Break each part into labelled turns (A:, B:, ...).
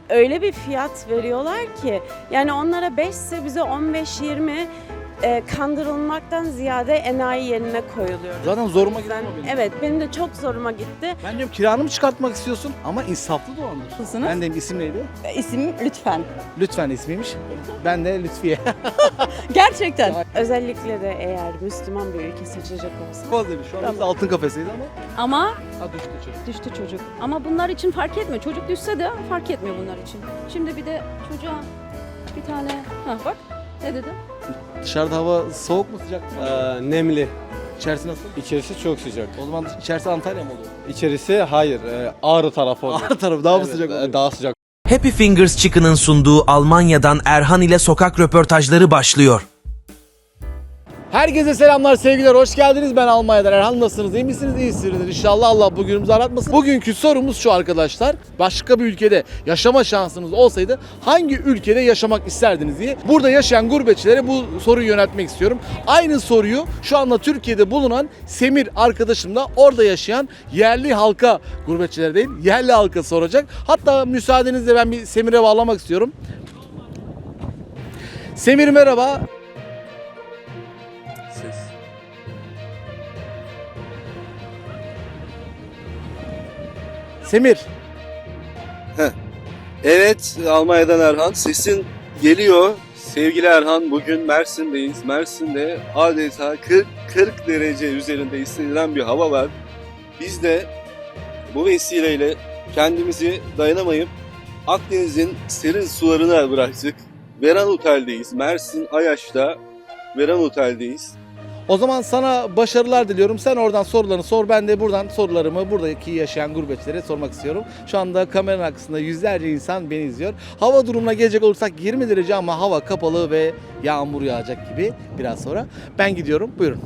A: öyle bir fiyat veriyorlar ki yani onlara 5 ise bize 15-20 kandırılmaktan ziyade enayi yerine koyuluyoruz.
B: Zaten zoruma gidiyor benim.
A: Evet, benim de çok zoruma gitti.
B: Ben diyorum kiranı mı çıkartmak istiyorsun ama insaflı dolandır.
C: Nasılsınız?
B: Ben de isim neydi?
C: İsim Lütfen.
B: Lütfen ismiymiş. Ben de Lütfiye.
C: Gerçekten.
A: Özellikle de eğer Müslüman bir ülke seçecek olsa.
B: Fazla bir. Şu an biz altın kafesiydi ama.
C: Ama
B: Ha düştü çocuk.
C: düştü çocuk. Ama bunlar için fark etmiyor. Çocuk düşse de fark etmiyor bunlar için. Şimdi bir de çocuğa bir tane... Ha bak ne dedim?
B: Dışarıda hava soğuk mu sıcak mı?
D: Nemli.
B: İçerisi nasıl?
D: İçerisi çok sıcak.
B: O zaman içerisi Antalya mı oluyor?
D: İçerisi hayır. Ağrı tarafı oluyor.
B: Ağrı tarafı daha mı
D: Evet,
B: sıcak oluyor?
D: Daha sıcak.
E: Happy Fingers Chicken'ın sunduğu Almanya'dan Erhan ile sokak röportajları başlıyor.
B: Herkese selamlar, sevgiler, hoş geldiniz. Ben Almanya'dan Erhan. Nasılsınız? İyi misiniz? İyisinizdir. İnşallah Allah bugünümüzü aratmasın. Bugünkü sorumuz şu arkadaşlar. Başka bir ülkede yaşama şansınız olsaydı hangi ülkede yaşamak isterdiniz diye. Burada yaşayan gurbetçilere bu soruyu yöneltmek istiyorum. Aynı soruyu şu anda Türkiye'de bulunan Semir arkadaşım da orada yaşayan yerli halka, gurbetçilere değil, yerli halka soracak. Hatta müsaadenizle ben bir Semir'e bağlamak istiyorum. Semir merhaba. Semir.
F: Evet, Almanya'dan Erhan. Sesin geliyor. Sevgili Erhan, bugün Mersin'deyiz. Mersin'de adeta 40 derece üzerinde hissedilen bir hava var. Biz de bu vesileyle kendimizi dayanamayıp Akdeniz'in serin sularına bıraktık. Veran Otel'deyiz. Mersin Ayaş'ta Veran Otel'deyiz.
B: O zaman sana başarılar diliyorum. Sen oradan sorularını sor. Ben de buradan sorularımı buradaki yaşayan gurbetçilere sormak istiyorum. Şu anda kameranın arkasında yüzlerce insan beni izliyor. Hava durumuna gelecek olursak 20 derece ama hava kapalı ve yağmur yağacak gibi biraz sonra. Ben gidiyorum. Buyurun.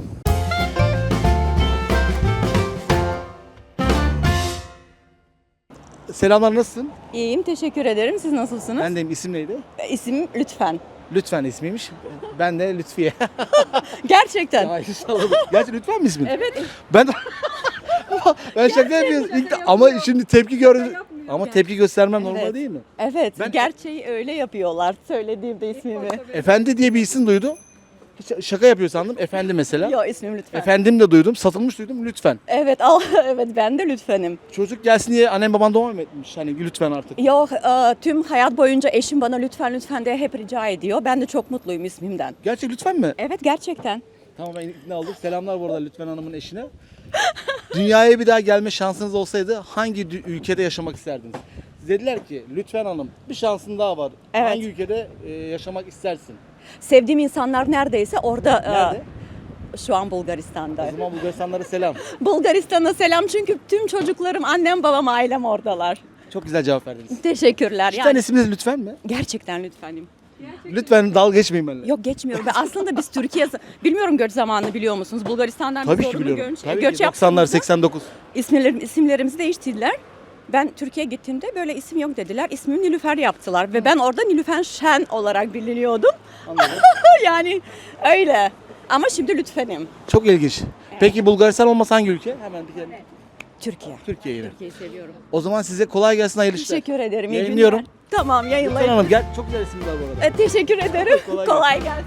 B: Selamlar, nasılsın?
C: İyiyim, teşekkür ederim. Siz nasılsınız?
B: Ben de isim neydi?
C: İsim Lütfen.
B: Lütfen ismiymiş. Ben de Lütfiye.
C: Gerçekten.
B: Ay, salladım. Gerçi Lütfen mi ismin?
C: Evet.
B: Ben ben şaka yapıyorum. Ama şimdi tepki gördüm. Ama tepki göstermem normal
C: Evet.
B: değil mi?
C: Evet.
B: Ben-
C: Gerçeği öyle yapıyorlar. Söylediğimde ismimi.
B: Efendi diye bir isim duydum. Hiç şaka yapıyor sandım. Efendi mesela.
C: Yok ismim Lütfen.
B: Efendim de duydum. Satılmış duydum. Lütfen.
C: Evet, evet ben de Lütfen'im.
B: Çocuk gelsin diye annem baban devam etmiş. Hani lütfen artık.
C: Yok, tüm hayat boyunca eşim bana lütfen lütfen diye hep rica ediyor. Ben de çok mutluyum ismimden.
B: Gerçek lütfen mi?
C: Evet, gerçekten.
B: Tamam, ben ikna oldum. Selamlar bu arada Lütfen Hanım'ın eşine. Dünyaya bir daha gelme şansınız olsaydı hangi ülkede yaşamak isterdiniz? Dediler ki Lütfen Hanım bir şansın daha var.
C: Evet.
B: Hangi ülkede yaşamak istersin?
C: Sevdiğim insanlar neredeyse orada.
B: Nerede?
C: Şu an Bulgaristan'da.
B: O zaman Bulgaristanlara selam.
C: Bulgaristan'a selam çünkü tüm çocuklarım, annem, babam, ailem oradalar.
B: Çok güzel cevap verdiniz.
C: Teşekkürler.
B: Cidden isminiz Lütfen mi?
C: Gerçekten Lütfenim.
B: Lütfen dalga geçmeyin benimle.
C: Yok, geçmiyorum. Ben aslında biz Türkiye, bilmiyorum göç zamanını biliyor musunuz? Bulgaristan'dan
B: Tabii
C: biz
B: ki
C: zorunlu
B: biliyorum.
C: göç,
B: Tabii
C: göç
B: ki 90'lar
C: yaptığımızda
B: 89.
C: isimlerimizi değiştirdiler. Ben Türkiye'ye gittiğimde böyle isim yok dediler. İsmimi Nilüfer yaptılar ve ben orada Nilüfer Şen olarak biliniyordum.
B: Anladım.
C: Yani öyle. Ama şimdi Lütfen'im.
B: Çok ilginç. Peki Bulgaristan olmasa hangi ülke? Hemen bir kere.
C: Türkiye.
B: Türkiye yine.
C: Türkiye'yi seviyorum.
B: O zaman size kolay gelsin, hayırlı işler.
C: Teşekkür ederim. iyi
B: Yayınlıyorum.
C: günler. Tamam,
B: Lütfen
C: yayınlayın.
B: Hanım gel. Çok güzel isim var bu arada.
C: Teşekkür ederim.
B: Kolay
C: Kolay gelsin.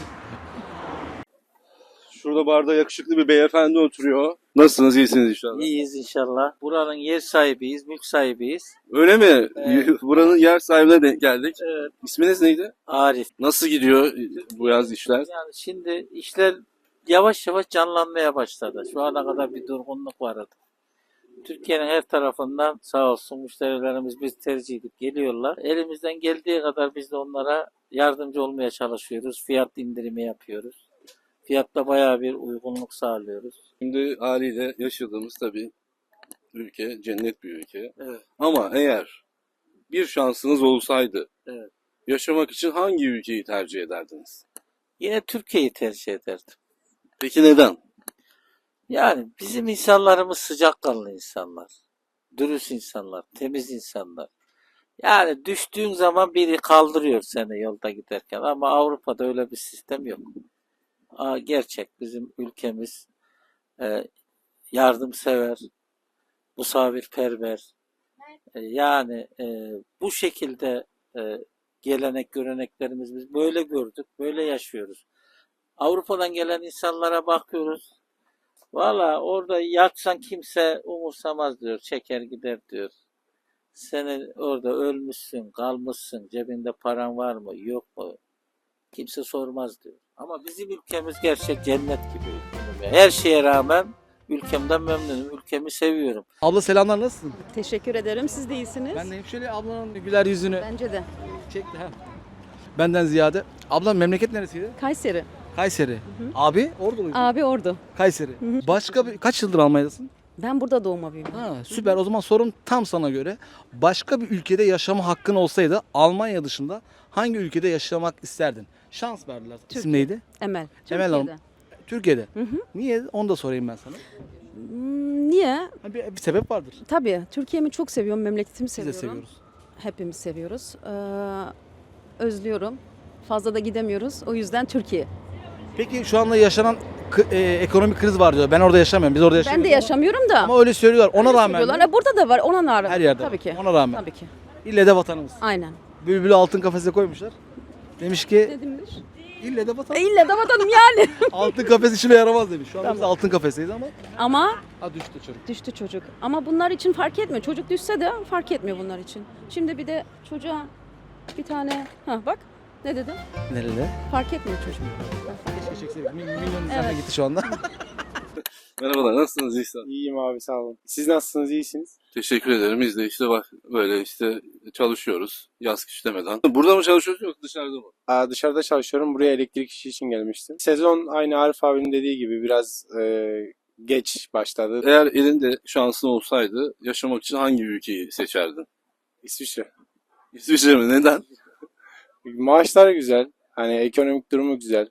F: Şurada barda yakışıklı bir beyefendi oturuyor. Nasılsınız? İyisiniz inşallah.
G: İyiyiz inşallah. Buranın yer sahibiyiz, mülk sahibiyiz.
F: Öyle mi?
G: Evet.
F: Buranın yer sahibine denk geldik.
G: Evet.
F: İsminiz neydi?
G: Arif.
F: Nasıl gidiyor bu yaz işler?
G: Yani şimdi işler yavaş yavaş canlanmaya başladı. Şu ana kadar bir durgunluk vardı. Türkiye'nin her tarafından sağ olsun müşterilerimiz biz tercih edip geliyorlar. Elimizden geldiği kadar biz de onlara yardımcı olmaya çalışıyoruz. Fiyat indirimi yapıyoruz. Fiyatta bayağı bir uygunluk sağlıyoruz.
F: Şimdi haliyle yaşadığımız tabii ülke cennet bir ülke.
G: Evet.
F: Ama eğer bir şansınız olsaydı
G: Evet.
F: yaşamak için hangi ülkeyi tercih ederdiniz?
G: Yine Türkiye'yi tercih ederdim.
F: Peki neden?
G: Yani bizim insanlarımız sıcakkanlı insanlar. Dürüst insanlar, temiz insanlar. Yani düştüğün zaman biri kaldırıyor seni yolda giderken ama Avrupa'da öyle bir sistem yok. Gerçek bizim ülkemiz yardımsever, misafirperver, Yani bu şekilde gelenek göreneklerimiz biz böyle gördük, böyle yaşıyoruz. Avrupa'dan gelen insanlara bakıyoruz. Valla orada yaksan kimse umursamaz diyor, çeker gider diyor. Sen orada ölmüşsün, kalmışsın, cebinde paran var mı, yok mu? Kimse sormaz diyor. Ama bizim ülkemiz gerçek cennet gibi. Her şeye rağmen ülkemden memnunum, ülkemi seviyorum.
B: Abla selamlar, nasılsın?
C: Teşekkür ederim. Siz de iyisiniz.
B: Ben de hep şöyle ablanın güler yüzünü
C: Bence de.
B: çekti ha. Benden ziyade. Ablam memleket neresiydi?
C: Kayseri.
B: Kayseri. Abi Orduluydu.
C: Abi Ordu.
B: Kayseri. Başka bir kaç yıldır Almanya'dasın?
C: Ben burada doğma büyüdüm.
B: Ha, süper. O zaman sorum tam sana göre. Başka bir ülkede yaşama hakkın olsaydı Almanya dışında hangi ülkede yaşamak isterdin? Şans verdiler. İsim
C: Türkiye.
B: neydi?
C: Emel.
B: Emel Hanım.
C: Türkiye'de.
B: Türkiye'de.
C: Hı hı.
B: Niye? Onu da sorayım ben sana.
C: Niye?
B: Ha, bir sebep vardır.
C: Tabii. Türkiye'mi çok seviyorum. Memleketimi
B: Biz de
C: seviyorum.
B: seviyoruz.
C: Hepimiz seviyoruz. Özlüyorum. Fazla da gidemiyoruz. O yüzden Türkiye.
B: Peki şu anda yaşanan ekonomik kriz var diyor. Ben orada yaşamıyorum. Biz orada
C: Ben
B: yaşamıyoruz.
C: de yaşamıyorum da.
B: Ama öyle söylüyorlar. Ona
C: öyle
B: rağmen
C: söylüyorlar.
B: mi?
C: Burada da var. Ona rağmen.
B: Her yerde
C: Tabii
B: var.
C: ki.
B: Ona rağmen.
C: Tabii ki.
B: İlle de vatanımız.
C: Aynen.
B: Bülbülü altın kafese koymuşlar. Demiş ki
C: Ne demiş?
B: ille de vatan.
C: İlle de vatanım yani.
B: Altın kafes işime yaramaz demiş. Şu an biz
C: Tamam.
B: altın kafeseyiz ama.
C: Ama
B: Ha, düştü çocuk.
C: düştü çocuk. Ama bunlar için fark etmiyor. Çocuk düşse de fark etmiyor bunlar için. Şimdi bir de çocuğa bir tane... bak ne dedim?
B: Nerede?
C: Fark etmiyor çocuk.
B: Keşke çekseydik. Milyon izlenme
C: Evet.
B: gitti şu anda.
F: Merhabalar, nasılsınız İhsan?
D: İyiyim abi, sağ olun. Siz nasılsınız, iyisiniz?
F: Teşekkür ederim. Biz de işte bak böyle işte çalışıyoruz yaz kış demeden. Burada mı çalışıyoruz yoksa dışarıda mı?
D: Dışarıda çalışıyorum. Buraya elektrik işi için gelmiştim. Sezon aynı Arif abinin dediği gibi biraz geç başladı.
F: Eğer elinde şansın olsaydı yaşamak için hangi ülkeyi seçerdin?
D: İsviçre.
F: İsviçre mi? Neden?
D: Maaşlar güzel. Hani ekonomik durumu güzel.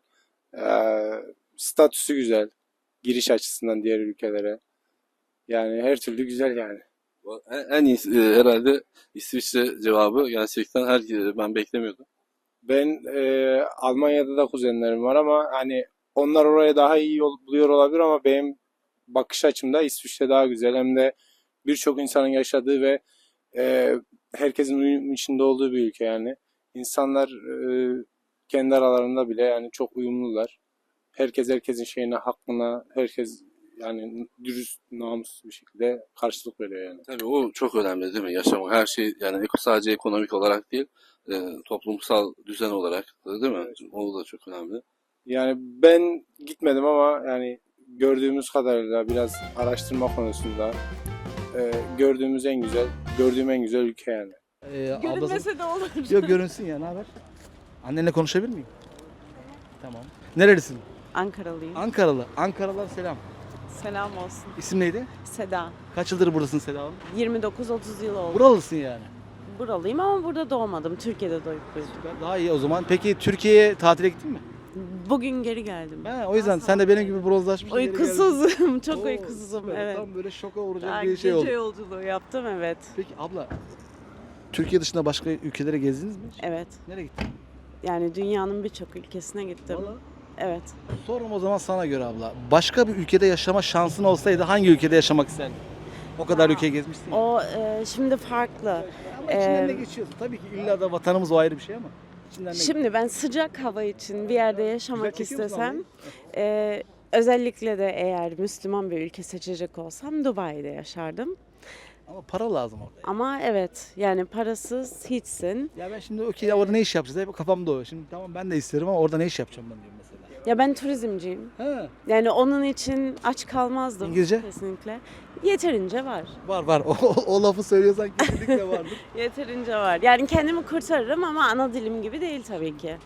D: Statüsü güzel. Giriş açısından diğer ülkelere. Yani her türlü güzel yani.
F: En iyisi herhalde İsviçre cevabı gerçekten ben beklemiyordum.
D: Ben Almanya'da da kuzenlerim var ama hani onlar oraya daha iyi yol buluyor olabilir ama benim bakış açımda İsviçre daha güzel. Hem de birçok insanın yaşadığı ve herkesin uyum içinde olduğu bir ülke yani. İnsanlar kendi aralarında bile yani çok uyumlular. Herkes herkesin şeyine, hakkına, herkes yani dürüst, namuslu bir şekilde karşılık veriyor yani.
F: Tabii o çok önemli değil mi? Yaşamak her şey yani sadece ekonomik olarak değil toplumsal düzen olarak da değil mi? O da çok önemli.
D: Yani ben gitmedim ama yani gördüğümüz kadarıyla biraz araştırma konusunda gördüğüm en güzel ülke yani.
B: Ablası...
A: de olur.
B: Yok, görünsün ya, ne haber? Annenle konuşabilir miyim? Tamam. Nerelisin?
A: Ankaralıyım.
B: Ankaralı. Ankaralılar selam.
A: Selam olsun.
B: İsim neydi?
A: Seda.
B: Kaç yıldır buradasın Seda Hanım?
A: 29-30 yıl oldu.
B: Buralısın yani.
A: Buralıyım ama burada doğmadım. Türkiye'de doğup büyüdüm.
B: Daha iyi o zaman. Peki Türkiye'ye tatile gittin mi?
A: Bugün geri geldim.
B: Ha, o yüzden sen de benim gibi bronzlaşmış. geri geldin.
A: Uykusuzum. Çok
B: Oo,
A: uykusuzum.
B: süper.
A: Evet.
B: Tam böyle şoka vuracak
A: Daha
B: bir şey
A: gece
B: oldu.
A: yolculuğu yaptım, evet.
B: Peki abla, Türkiye dışında başka ülkelere gezdiniz mi?
A: Evet.
B: Nereye gittin?
A: Yani dünyanın birçok ülkesine gittim.
B: Valla.
A: Evet.
B: Sorum o zaman sana göre abla. Başka bir ülkede yaşama şansın olsaydı hangi ülkede yaşamak isterdin? O kadar ülke gezmişsin ya.
A: O şimdi farklı.
B: Ama içinden ne
A: e,
B: geçiyorsun? Tabii ki illa da vatanımız o ayrı bir şey ama. İçinden ne
A: Şimdi ben sıcak hava için bir yerde yaşamak
B: Güzel çekiyor musun
A: istesem, özellikle de eğer Müslüman bir ülke seçecek olsam Dubai'de yaşardım.
B: Ama para lazım orada.
A: Ama evet, yani parasız hiçsin.
B: Ya ben şimdi okey ya orada ne iş yapacağız? Hep kafamda o. Şimdi tamam ben de isterim ama orada ne iş yapacağım ben diyorum mesela.
A: Ya ben turizmciyim.
B: Ha,
A: Yani onun için aç kalmazdım.
B: İngilizce?
A: Kesinlikle. Yeterince var.
B: var. O lafı söylüyorsan kesinlikle vardır.
A: Yeterince var. Yani kendimi kurtarırım ama ana dilim gibi değil tabii ki.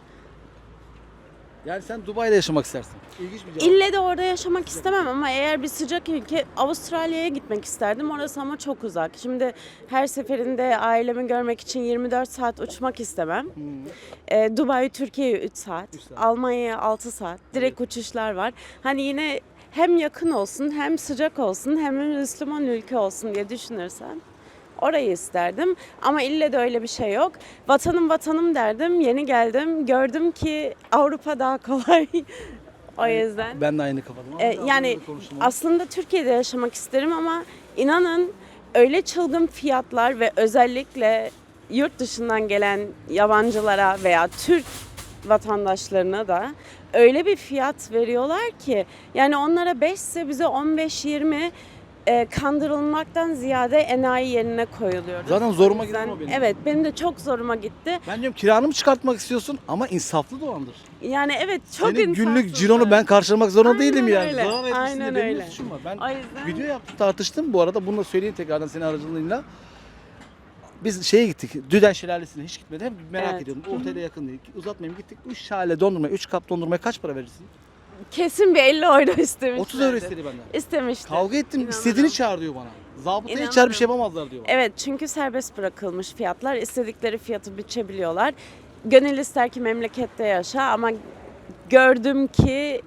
B: Yani sen Dubai'de yaşamak istersin. İlginç bir cevap.
A: İlle de orada yaşamak istemem ama eğer bir sıcak ülke, Avustralya'ya gitmek isterdim. Orası ama çok uzak. Şimdi her seferinde ailemi görmek için 24 saat uçmak istemem. Dubai, Türkiye'ye 3 saat.
B: 3 saat.
A: Almanya'ya 6 saat. Direkt uçuşlar var. Hani yine hem yakın olsun, hem sıcak olsun, hem de Müslüman ülke olsun diye düşünürsen orayı isterdim. Ama ille de öyle bir şey yok. Vatanım derdim. Yeni geldim. Gördüm ki Avrupa daha kolay. O yüzden.
B: Ben de aynı kafadayım.
A: Yani aslında Türkiye'de yaşamak isterim ama inanın öyle çılgın fiyatlar ve özellikle yurt dışından gelen yabancılara veya Türk vatandaşlarına da öyle bir fiyat veriyorlar ki yani onlara 5 ise bize 15-20 kandırılmaktan ziyade enayi yerine koyuluyoruz.
B: Zaten zoruma
A: O yüzden-
B: gitti o benim.
A: Evet, benim de çok zoruma gitti.
B: Ben diyorum kiranı mı çıkartmak istiyorsun ama insaflı dolandır.
A: Yani evet çok
B: Senin günlük
A: insafsızlar.
B: cironu ben karşılamak zorunda
A: Aynen
B: değilim yani.
A: öyle,
B: Zarar etmişsin
A: aynen
B: de benim
A: öyle.
B: ne suçum var? Ben
A: O yüzden
B: video yaptım tartıştım bu arada. Bunu da söyleyeyim tekrardan senin aracılığıyla. Biz şeye gittik. Düden Şelalesi'ne hiç gitmedim. Hep merak
A: Evet.
B: ediyordum. Otele yakın değil. Uzatmayayım gittik. 3 şale dondurma, 3 kap dondurmaya kaç para verirsin?
A: kesin bir 50 euro istemişlerdi.
B: 30 euro istedi benden.
A: İstemişti.
B: Kavga ettim.
A: İnanırım.
B: İstediğini çağır diyor bana. Zabıta içer bir
A: İnanırım.
B: şey yapamazlar diyor bana.
A: Evet, çünkü serbest bırakılmış fiyatlar. İstedikleri fiyatı biçebiliyorlar. Gönül ister ki memlekette yaşa ama gördüm ki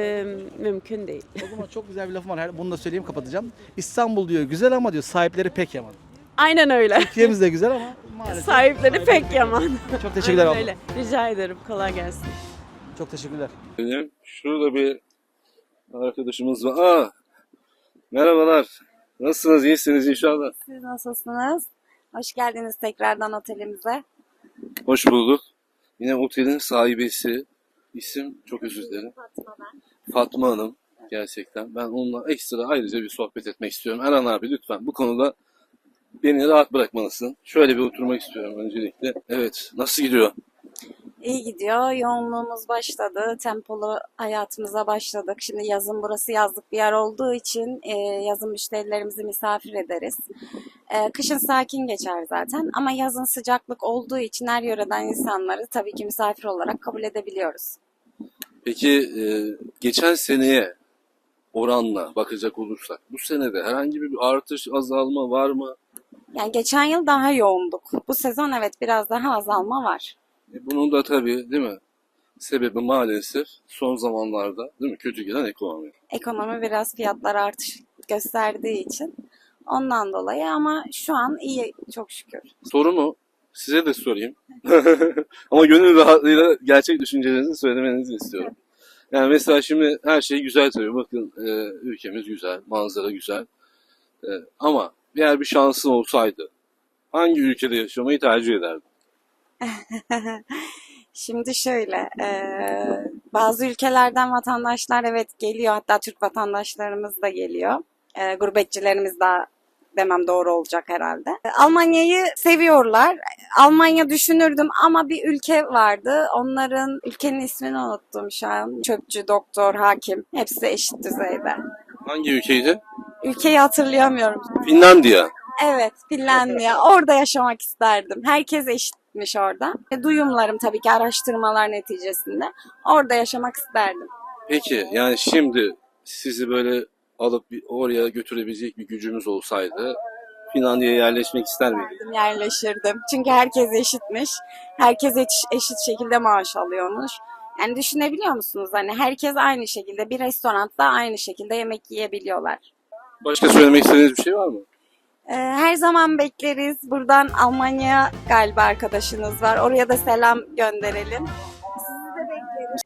A: mümkün değil.
B: O zaman çok güzel bir lafım var. Bunu da söyleyeyim kapatacağım. İstanbul diyor güzel ama diyor sahipleri pek yaman.
A: Aynen öyle.
B: Türkiye'miz de güzel ama maalesef.
A: Sahipleri pek yaman.
B: Çok teşekkürler
A: Aynen
B: abla.
A: öyle. Rica ederim. Kolay gelsin.
B: Çok teşekkürler.
F: Şurada bir arkadaşımız var. Merhabalar. Nasılsınız? İyisiniz inşallah.
H: Siz nasılsınız? Hoş geldiniz tekrardan otelimize.
F: Hoş bulduk. Yine otelin sahibesi. İsim çok özür dilerim.
H: Fatma ben.
F: Fatma Hanım. Gerçekten. Ben onunla ekstra ayrıca bir sohbet etmek istiyorum. Erhan abi lütfen bu konuda beni rahat bırakmalısın. Şöyle bir oturmak istiyorum öncelikle. Evet. Nasıl gidiyor?
H: İyi gidiyor. Yoğunluğumuz başladı. Tempolu hayatımıza başladık. Şimdi yazın burası yazlık bir yer olduğu için yazın müşterilerimizi misafir ederiz. Kışın sakin geçer zaten ama yazın sıcaklık olduğu için her yöreden insanları tabii ki misafir olarak kabul edebiliyoruz.
F: Peki geçen seneye oranla bakacak olursak bu senede herhangi bir artış, azalma var mı?
H: Yani geçen yıl daha yoğunduk. Bu sezon evet biraz daha azalma var.
F: Bunun da tabii değil mi? Sebebi maalesef son zamanlarda değil mi? Kötü giden ekonomi.
H: Ekonomi biraz fiyatlar artış gösterdiği için ondan dolayı ama şu an iyi çok şükür.
F: Sorumu size de sorayım. Ama gönül rahatlığıyla gerçek düşüncelerinizi söylemenizi istiyorum. Yani mesela şimdi her şey güzel tabii. Bakın ülkemiz güzel, manzara güzel. Ama eğer bir şansın olsaydı hangi ülkede yaşamayı tercih ederdin?
H: Şimdi şöyle, bazı ülkelerden vatandaşlar evet geliyor, hatta Türk vatandaşlarımız da geliyor. Gurbetçilerimiz daha demem doğru olacak herhalde. Almanya'yı seviyorlar. Almanya düşünürdüm ama bir ülke vardı. Onların ülkenin ismini unuttum şu an. Çöpçü, doktor, hakim hepsi eşit düzeyde.
F: Hangi ülkeydi?
H: Ülkeyi hatırlayamıyorum.
F: Finlandiya.
H: Evet, Finlandiya. Orada yaşamak isterdim. Herkes eşitmiş orada. Duyumlarım tabii ki araştırmalar neticesinde. Orada yaşamak isterdim.
F: Peki yani şimdi sizi böyle alıp oraya götürebilecek bir gücümüz olsaydı Finlandiya'ya yerleşmek ister miydiniz?
H: Yerleşirdim. Çünkü herkes eşitmiş. Herkes eşit şekilde maaş alıyormuş. Yani düşünebiliyor musunuz? Hani herkes aynı şekilde bir restoranda aynı şekilde yemek yiyebiliyorlar.
F: Başka söylemek istediğiniz bir şey var mı?
H: Her zaman bekleriz. Buradan Almanya galiba arkadaşınız var. Oraya da selam gönderelim. Sizi de bekleriz.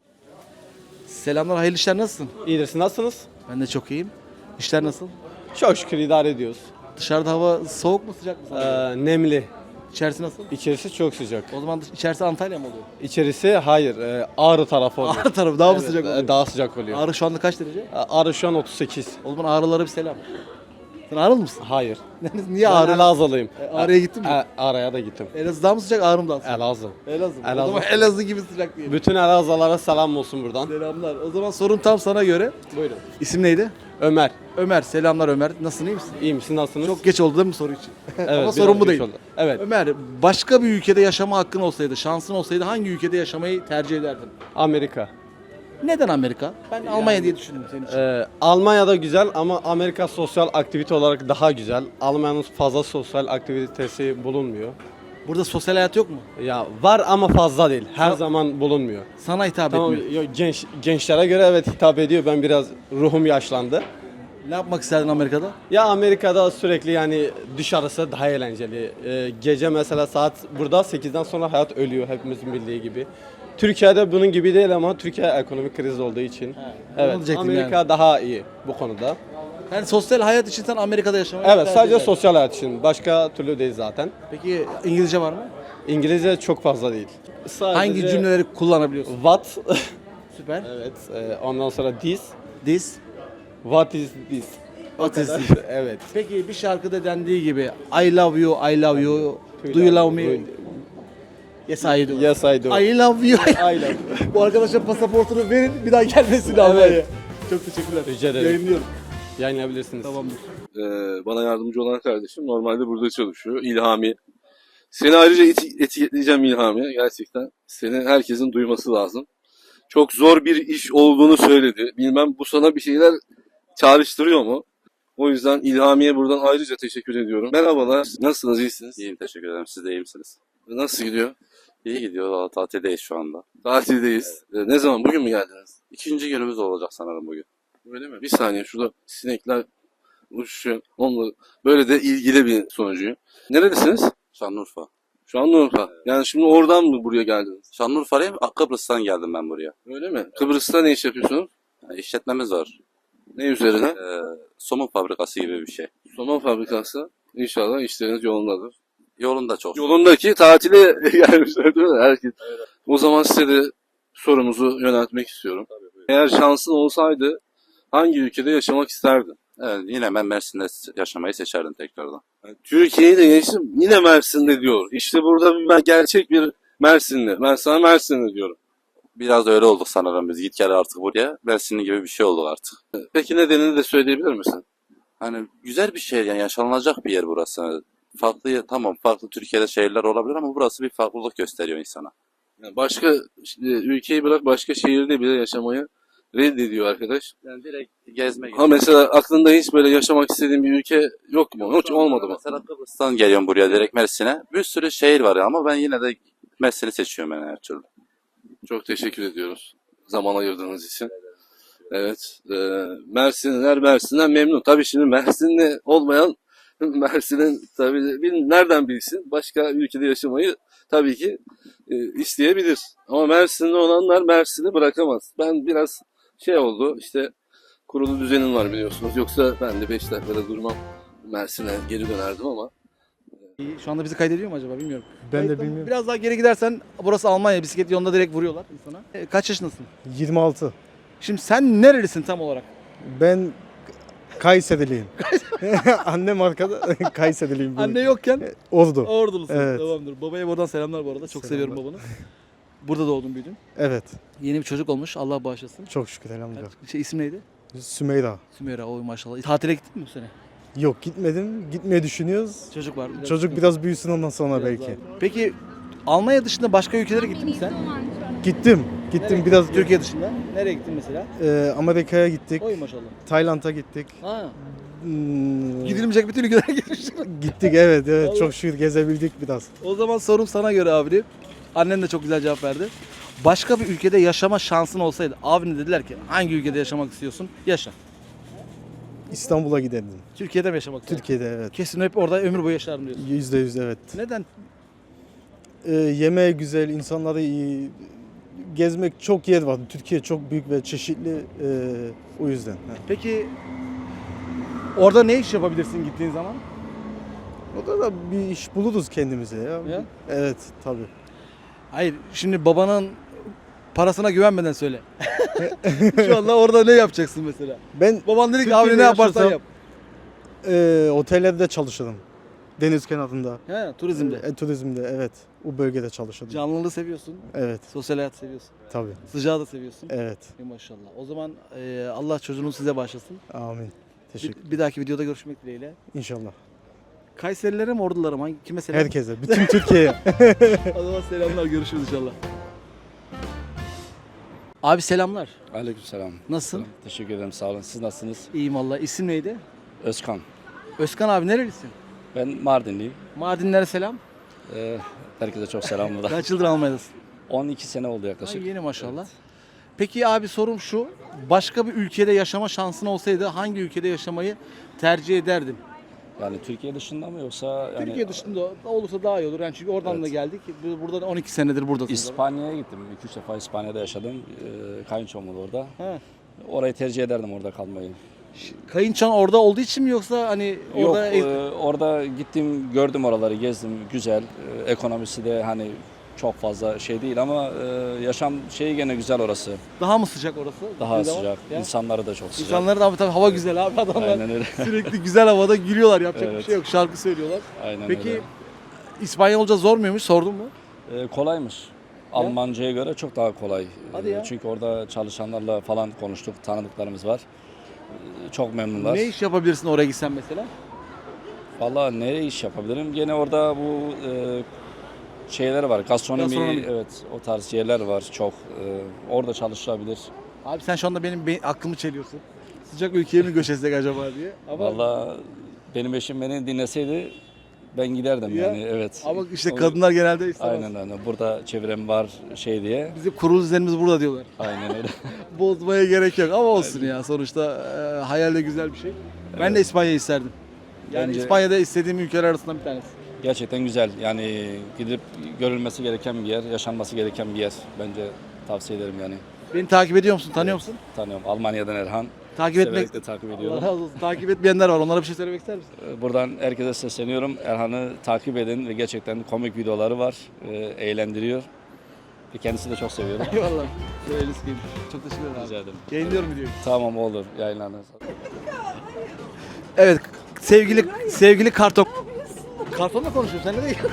B: Selamlar, hayırlı işler, nasılsın?
I: İyidir, siz nasılsınız?
B: Ben de çok iyiyim. İşler nasıl?
I: Çok şükür idare ediyoruz.
B: Dışarıda hava soğuk mu sıcak mı sana?
I: Nemli.
B: İçerisi nasıl?
I: İçerisi çok sıcak.
B: O zaman içerisi Antalya mı oluyor?
I: İçerisi hayır, Ağrı tarafı oluyor.
B: Ağrı tarafı daha mı
I: Evet,
B: sıcak oluyor?
I: Daha sıcak oluyor.
B: Ağrı şu anda kaç derece?
I: Ağrı şu an 38.
B: O zaman Ağrılara bir selam. Sen Ağrılı mısın?
I: Hayır.
B: Niye
I: Ben
B: Ağrı?
I: Elazığlıyım.
B: Ağrı'ya gittin mi?
I: Ağrı'ya da gittim.
B: Elazığ daha mı sıcak, Ağrı mı daha sıcak?
I: Elazığ.
B: Elazığ. O
I: Elazığ.
B: zaman Elazığ gibi sıcak değil.
I: Bütün Elazığlara selam olsun buradan.
B: Selamlar. O zaman sorun tam sana göre.
I: Buyurun.
B: İsim neydi?
I: Ömer.
B: Ömer. Selamlar Ömer. Nasılsın, iyi misin?
I: İyi misin, nasılsınız?
B: Çok geç oldu değil mi soru için?
I: Evet,
B: Ama
I: biraz
B: sorun bu
I: geç
B: değil.
I: oldu. Evet.
B: Ömer, başka bir ülkede yaşama hakkın olsaydı, şansın olsaydı hangi ülkede yaşamayı tercih ederdin?
I: Amerika.
B: Neden Amerika? Ben Almanya diye düşündüm senin için.
I: Almanya'da güzel ama Amerika sosyal aktivite olarak daha güzel. Almanya'nın fazla sosyal aktivitesi bulunmuyor.
B: Burada sosyal hayat yok mu?
I: Ya var ama fazla değil. Her zaman bulunmuyor.
B: Sana hitap
I: Tamam,
B: etmiyor.
I: gençlere göre evet hitap ediyor. Ben biraz ruhum yaşlandı.
B: Ne yapmak isterdin Amerika'da?
I: Ya Amerika'da sürekli yani dışarısı daha eğlenceli. Gece mesela saat burada 8'den sonra hayat ölüyor hepimizin bildiği gibi. Türkiye'de bunun gibi değil ama Türkiye ekonomik kriz olduğu için.
B: onu
I: Evet,
B: diyecektim
I: Amerika
B: yani.
I: daha iyi bu konuda.
B: Yani sosyal hayat için sen Amerika'da yaşamayı
I: Evet,
B: tercih
I: sadece
B: ederdin.
I: sosyal hayat için. Başka türlü değil zaten.
B: Peki İngilizce var mı?
I: İngilizce çok fazla değil. Sadece
B: Hangi cümleleri kullanabiliyorsun?
I: What?
B: Süper.
I: Evet. Ondan sonra this.
B: This.
I: What is this?
B: What is this?
I: Evet.
B: Peki bir şarkıda dendiği gibi I love you, I love you. Do you love me? Yes I do.
I: Yes, I do.
B: I love you.
I: I love.
B: Bu arkadaşa pasaportunu verin bir daha gelmesin Almanya'ya. Çok teşekkürler.
I: Rica ederim.
B: Yayınlıyorum.
I: Yayınlayabilirsiniz.
B: Tamamdır.
F: Bana yardımcı olan kardeşim normalde burada çalışıyor. İlhami. Seni ayrıca etiketleyeceğim İlhami. Gerçekten seni herkesin duyması lazım. Çok zor bir iş olduğunu söyledi. Bilmem bu sana bir şeyler çağrıştırıyor mu? O yüzden İlhami'ye buradan ayrıca teşekkür ediyorum. Merhabalar. Nasılsınız? İyisiniz?
J: İyiyim, teşekkür ederim. Siz de iyi misiniz?
F: Nasıl gidiyor?
J: İyi gidiyor. Valla tatildeyiz şu anda.
F: Tatildeyiz. Ne zaman? Bugün mü geldiniz?
J: İkinci günümüz olacak sanırım bugün.
F: Öyle mi? Bir saniye şurada sinekler uçuşuyor. Onunla böyle de ilgili bir sonucu. Neredesiniz?
J: Şanlıurfa.
F: Şanlıurfa. Yani şimdi oradan mı buraya geldiniz?
J: Şanlıurfa'yım. Kıbrıs'tan geldim ben buraya.
F: Öyle mi? Kıbrıs'ta ne iş yapıyorsunuz?
J: Yani işletmemiz var.
F: Ne üzerine?
J: Somun fabrikası gibi bir şey.
F: Somon fabrikası. İnşallah işleriniz yolundadır.
J: Yolunda çok.
F: Yolundaki tatile gelmişler değil mi? Herkes. O zaman size de sorumuzu yöneltmek istiyorum. Eğer şansın olsaydı hangi ülkede yaşamak isterdin?
J: Evet, yine ben Mersin'de yaşamayı seçerdim tekrardan.
F: Türkiye'yi de geçtim yine Mersin'de diyor. İşte burada gerçek bir Mersinli. Ben sana Mersinli diyorum.
J: Biraz da öyle olduk sanırım biz. Git gel artık buraya. Mersinli gibi bir şey olduk artık.
F: Peki nedenini de söyleyebilir misin?
J: Hani güzel bir şehir, yani yaşanılacak bir yer burası. Farklı, tamam farklı Türkiye'de şehirler olabilir ama burası bir farklılık gösteriyor insana.
F: Yani başka ülkeyi bırak başka şehirde bile yaşamayı reddediyor arkadaş.
J: Yani direkt gezme gibi.
F: Ha mesela aklında hiç böyle yaşamak istediğin bir ülke yok mu? Hiç olmadı mı?
J: Mesela Kıbrıs'tan geliyorum buraya direkt Mersin'e. Bir sürü şehir var ya ama ben yine de Mersin'i seçiyorum yani her türlü.
F: Çok teşekkür ediyoruz zaman ayırdığınız için. Evet. Mersinliler Mersin'den memnun. Tabii şimdi Mersinli olmayan Mersin'in tabii nereden bilsin? Başka ülkede yaşamayı tabii ki isteyebilir. Ama Mersinli olanlar Mersin'i bırakamaz. Ben biraz şey oldu işte kurulu düzenim var biliyorsunuz. Yoksa ben de 5 dakikada durmam. Mersin'e geri dönerdim ama.
B: Şu anda bizi kaydediyor mu acaba bilmiyorum.
K: Ben de bilmiyorum.
B: Biraz daha geri gidersen burası Almanya, bisiklet yolunda direkt vuruyorlar insana. Kaç yaşındasın?
K: 26.
B: Şimdi sen nerelisin tam olarak?
K: Ben Kayseriliyim. Annem arkada Kayseriliyim.
B: Anne yokken
K: Ordu.
B: Ordulusun.
K: Evet.
B: Tamamdır. Babaya buradan selamlar bu arada. Çok
K: Selamlar.
B: seviyorum babanı. Burada doğdun büyüdün.
K: Evet.
B: Yeni bir çocuk olmuş. Allah bağışlasın.
K: Çok şükür elhamdülillah.
B: İsim neydi?
K: Sümeyra.
B: Sümeyra. Oy maşallah. Tatile gittin mi bu sene?
K: Yok gitmedim. Gitmeyi düşünüyoruz.
B: Çocuk var.
K: Çocuk biraz büyüsün ondan sonra
B: Biraz
K: belki.
B: daha. Peki Almanya dışında başka ülkelere gittin mi sen?
K: Gittim. Gittim biraz.
B: Türkiye dışında. Nereye gittin mesela?
K: Amerika'ya gittik.
B: Oy maşallah.
K: Tayland'a gittik.
B: Ha.
K: Hmm,
B: Gidilmeyecek bütün ülkelere gitmiş.
K: Gittik evet evet.
B: Allah.
K: Çok şükür gezebildik biraz.
B: O zaman sorum sana göre abi. Annen de çok güzel cevap verdi. Başka bir ülkede yaşama şansın olsaydı, abine dediler ki hangi ülkede yaşamak istiyorsun? Yaşa.
K: İstanbul'a giderdim.
B: Türkiye'de mi yaşamak istiyorsun?
K: Türkiye'de evet.
B: Kesin hep orada ömür boyu yaşarım diyorsun.
K: %100 evet.
B: Neden?
K: Yemeği güzel, insanları iyi. Gezmek çok yer var. Türkiye çok büyük ve çeşitli o yüzden. Ha.
B: Peki orada ne iş yapabilirsin gittiğin zaman?
K: Orada da bir iş buluruz kendimize ya.
B: Ya?
K: Evet tabii.
B: Hayır, şimdi babanın parasına güvenmeden söyle. Şu anda orada ne yapacaksın mesela?
K: Ben
B: Baban dedi ki
K: Türkiye'de
B: abi ne yaparsan
K: yaşasam-
B: yap.
K: Otellerde çalışırım. Deniz kenarında.
B: He, turizmde.
K: Turizmde evet. O bölgede çalışırım.
B: Canlılığı seviyorsun.
K: Evet
B: Sosyal hayat seviyorsun.
K: tabii.
B: Sıcağı da seviyorsun.
K: Evet.
B: Maşallah. O zaman Allah çocuğunu size bağışlasın.
K: Amin. Teşekkür.
B: Bir dahaki videoda görüşmek dileğiyle.
K: İnşallah.
B: Kayserililere mi ordulara mı? Kime selam?
K: Herkese. Bütün Türkiye'ye.
B: O zaman selamlar. Görüşürüz inşallah. Abi selamlar.
L: Aleykümselam.
B: Nasılsın?
L: Teşekkür ederim, sağ olun. Siz nasılsınız?
B: İyiyim valla. İsim neydi?
L: Özkan.
B: Özkan abi nerelisin?
L: Ben Mardinliyim.
B: Mardinlere selam.
L: Herkese çok selam burada.
B: Kaç yıldır Almanya'dasın?
L: 12 sene oldu yaklaşık.
B: Ay, yeni maşallah. Peki abi sorum şu. Başka bir ülkede yaşama şansın olsaydı hangi ülkede yaşamayı tercih ederdin?
L: Yani Türkiye dışında mı yoksa yani
B: Türkiye dışında olursa daha iyi olur. Yani çünkü oradan da geldik. Burada 12 senedir buradasın.
L: İspanya'ya gittim. 2-3 defa İspanya'da yaşadım. Kayınçom var orada.
B: Ha.
L: Orayı tercih ederdim orada kalmayı.
B: Kayınçan orada olduğu için mi yoksa hani
L: Yok,
B: orada
L: orada gittim, gördüm oraları, gezdim, güzel. Ekonomisi de hani çok fazla şey değil ama yaşam şeyi gene güzel orası.
B: daha mı sıcak orası?
L: Daha
B: Bir de var.
L: sıcak,
B: Ya.
L: insanları da çok sıcak.
B: İnsanları da tabii hava güzel abi, adamlar
L: Aynen öyle.
B: sürekli güzel havada gülüyorlar, yapacak bir
L: Evet.
B: şey yok, şarkı söylüyorlar.
L: Aynen
B: Peki
L: öyle.
B: İspanyolca zor muymuş, sordun mu?
L: Kolaymış. Almanca'ya göre çok daha kolay.
B: Hadi ya.
L: Çünkü orada çalışanlarla falan konuştuk, tanıdıklarımız var. Çok memnunlar.
B: Ne iş yapabilirsin oraya gitsen mesela?
L: Vallahi ne iş yapabilirim? Gene orada bu şeyler var. Gastronomi, evet, o tarz yerler var çok. Orada çalışılabilir.
B: Abi sen şu anda benim aklımı çeliyorsun. Sıcak ülkeye mi göç etsek acaba diye. Ama,
L: Vallahi benim eşim beni dinleseydi ben giderdim
B: Ya,
L: yani, evet.
B: ama işte kadınlar genelde istemez.
L: Aynen öyle. Burada çevrem var şey diye.
B: Bizim kurulu düzenimiz burada diyorlar.
L: Aynen öyle.
B: Bozmaya gerek yok ama olsun ya, sonuçta hayal de güzel bir şey. Ben de İspanya'yı isterdim. Yani
L: Bence-
B: İspanya'da istediğim ülkeler arasından bir tanesi.
L: Gerçekten güzel. Yani gidip görülmesi gereken bir yer, yaşanması gereken bir yer. Bence tavsiye ederim yani.
B: Beni takip ediyor musun, tanıyor musun?
L: Tanıyorum. Almanya'dan Erhan.
B: Takip etmek.
L: Severek de takip
B: Allah
L: ediyorum.
B: razı olsun. Takip etmeyenler var. Onlara bir şey söylemek ister misin?
L: Buradan herkese sesleniyorum. Erhan'ı takip edin ve gerçekten komik videoları var. Eğlendiriyor. Ve kendisi de çok seviyorum.
B: Eyvallah. Söyleriz ki. Çok teşekkür ederim abi.
L: Rica ederim.
B: Yayınlıyorum videoyu.
L: Tamam, olur. Yayınlanır.
B: Evet, sevgili karton. Kartonla konuşuyorum, sen ne değil?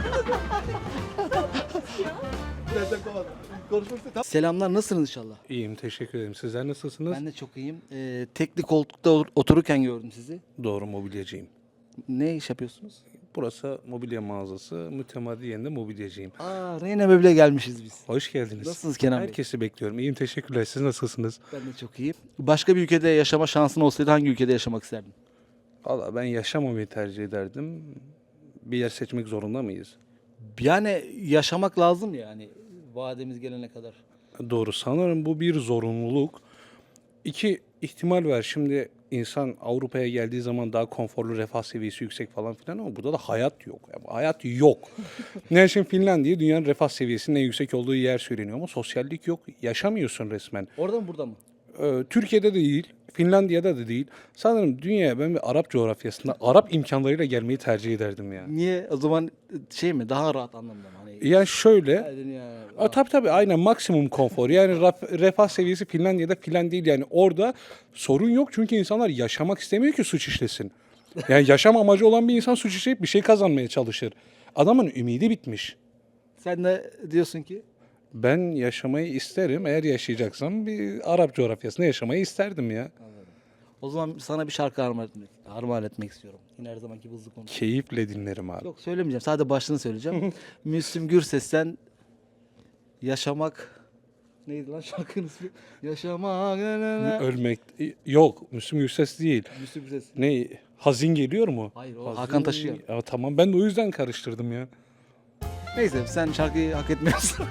B: Selamlar, nasılsınız inşallah?
M: İyiyim, teşekkür ederim. Sizler nasılsınız?
B: Ben de çok iyiyim. Tekli koltukta otururken gördüm sizi.
M: Doğru, mobilyacıyım.
B: Ne iş yapıyorsunuz?
M: Burası mobilya mağazası, mütemadiyen de mobilyacıyım.
B: Reyna Möble'ye gelmişiz biz.
M: Hoş geldiniz.
B: Nasılsınız Kenan Bey?
M: Herkesi bekliyorum. İyiyim, teşekkürler. Siz nasılsınız?
B: Ben de çok iyiyim. Başka bir ülkede yaşama şansın olsaydı hangi ülkede yaşamak isterdin?
M: Valla ben yaşamamayı tercih ederdim. Bir yer seçmek zorunda mıyız?
B: Yani yaşamak lazım yani vademiz gelene kadar.
M: Doğru, sanırım bu bir zorunluluk. İki ihtimal var. Şimdi insan Avrupa'ya geldiği zaman daha konforlu, refah seviyesi yüksek falan filan ama burada da hayat yok. Yani hayat yok. Ne için Finlandiya dünyanın refah seviyesinin en yüksek olduğu yer söyleniyor ama sosyallik yok. Yaşamıyorsun resmen.
B: Orada mı burada mı?
M: Türkiye'de de değil, Finlandiya'da da değil. Sanırım dünyaya ben bir Arap coğrafyasında Arap imkanlarıyla gelmeyi tercih ederdim ya.
B: Niye? O zaman şey mi? Daha rahat anlamda mı? Hani
M: Yani şöyle,
B: dünya
M: tabii aynen maksimum konfor. Yani refah seviyesi Finlandiya'da filan değil. Yani orada sorun yok çünkü insanlar yaşamak istemiyor ki suç işlesin. Yani yaşam amacı olan bir insan suç işleyip bir şey kazanmaya çalışır. Adamın ümidi bitmiş.
B: Sen de diyorsun ki
M: Ben yaşamayı isterim. Eğer yaşayacaksam bir Arap coğrafyasında yaşamayı isterdim ya.
B: o zaman sana bir şarkı armağan etmek istiyorum. Yine her zamanki hızlı konu.
M: Keyifle dinlerim abi.
B: Yok söylemeyeceğim. Sadece başlığını söyleyeceğim. Müslüm Gürses'ten Yaşamak neydi lan şarkının ismi? Yaşamak.
M: Ölmek yok. Müslüm Gürses değil.
B: Müslüm Gürses.
M: Ne? Hazin geliyor mu?
B: Hayır, o
M: Hazin-
B: Hakan Taşıyan.
M: Ya, tamam, ben de o yüzden karıştırdım ya.
B: Neyse sen şarkıyı hak etmiyorsun.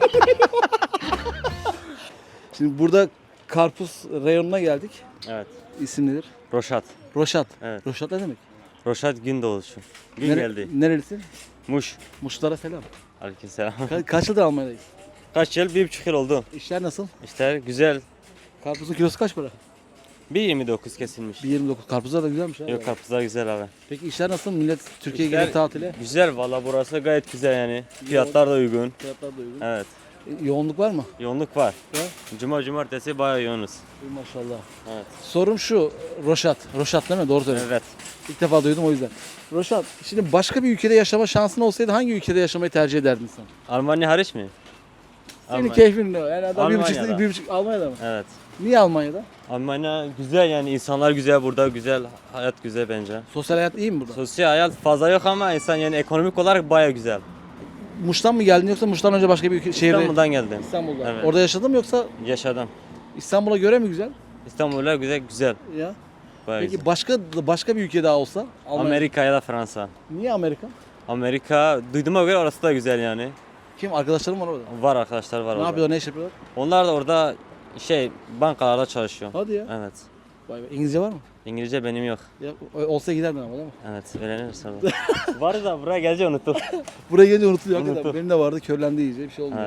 B: Şimdi burada karpuz reyonuna geldik.
N: Evet.
B: İsim nedir?
N: Roşat.
B: Roşat.
N: Evet.
B: Roşat ne demek?
N: Roşat Gündoğuşu. Gün geldi.
B: Nerelisin?
N: Muş.
B: Muşlara selam.
N: Aleykümselam.
B: Kaç yıldır Almanya'dayız?
N: Kaç yıl? 1,5 yıl oldu.
B: İşler nasıl?
N: İşte güzel.
B: Karpuzun kilosu kaç para?
N: 1,29 kesilmiş.
B: 1.29. Karpuzlar da güzelmiş abi.
N: Yok, karpuzlar güzel abi.
B: Peki işler nasıl? Millet Türkiye'ye
N: İşler
B: gelir tatile.
N: Güzel valla, burası gayet güzel yani. Fiyatlar da uygun.
B: Fiyatlar da uygun.
N: Evet.
B: Yoğunluk var mı?
N: Yoğunluk var.
B: Ya.
N: Cumartesi bayağı yoğunuz.
B: Maşallah.
N: Evet.
B: Sorum şu, Roşat. Roşat değil mi? Doğru söylüyorsun.
N: Evet.
B: İlk defa duydum o yüzden. Roşat, şimdi başka bir ülkede yaşama şansın olsaydı hangi ülkede yaşamayı tercih ederdin sen?
N: Almanya hariç mi?
B: Senin
N: Almanya.
B: keyfin ne? Yani adam
N: Almanya'da.
B: 1,5 Almanya'da mı?
N: Evet.
B: Niye Almanya'da?
N: Almanya güzel yani, insanlar güzel burada, güzel. Hayat güzel bence.
B: Sosyal hayat iyi mi burada?
N: Sosyal hayat fazla yok ama insan yani ekonomik olarak bayağı güzel.
B: Muş'tan mı geldin yoksa Muş'tan önce başka bir şehirde?
N: İstanbul'dan geldim.
B: İstanbul'da.
N: Evet.
B: Orada yaşadın mı yoksa
N: Yaşadım.
B: İstanbul'a göre mi güzel?
N: İstanbul'a güzel.
B: Ya.
N: Bayağı
B: Peki
N: güzel.
B: başka bir ülke daha olsa? Almanya.
N: Amerika ya da Fransa.
B: Niye Amerika?
N: Amerika duyduğuma göre orası da güzel yani.
B: Kim? Arkadaşlarım var orada.
N: Var, arkadaşlar var
B: Ne
N: orada.
B: yapıyorlar, ne iş yapıyorlar?
N: Onlar da orada bankalarda çalışıyor.
B: Hadi ya.
N: Evet.
B: Vay be. İngilizce var mı?
N: İngilizce benim yok.
B: Ya, olsa giderdin ama değil mi?
N: Evet, öğreniriz sonra. Var da buraya gelince unuttum.
B: Buraya gelince unutuluyor.
N: Unuttum.
B: Hakikaten. Benim de vardı, körlendi iyice, bir şey olmuyor.
N: Evet.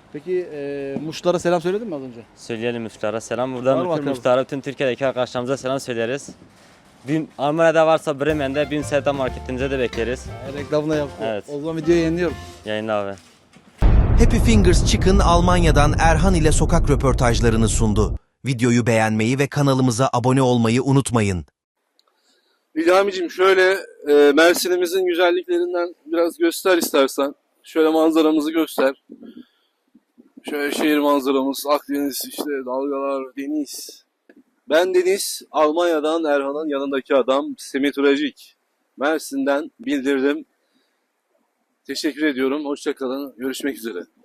B: Peki Muşlara selam söyledin mi az önce?
N: Söyleyelim Muşlara selam.
B: Var
N: Buradan
B: mı
N: bütün
B: bakalım?
N: Muşlara, bütün Türkiye'deki arkadaşlarımıza selam söyleriz. Almanya'da varsa Bremen'de Bin Sevda marketimize de bekleriz.
B: Reklamını yaptı.
N: Evet.
B: O zaman videoyu yayınlıyorum.
N: Yayınla abi.
E: Happy Fingers Chicken Almanya'dan Erhan ile sokak röportajlarını sundu. Videoyu beğenmeyi ve kanalımıza abone olmayı unutmayın.
F: İlhamicim şöyle Mersin'imizin güzelliklerinden biraz göster istersen. Şöyle manzaramızı göster. Şöyle şehir manzaramız, Akdeniz, işte dalgalar, deniz. Ben Deniz, Almanya'dan Erhan'ın yanındaki adam Semih Turacik. Mersin'den bildirdim. Teşekkür ediyorum. Hoşça kalın. Görüşmek üzere.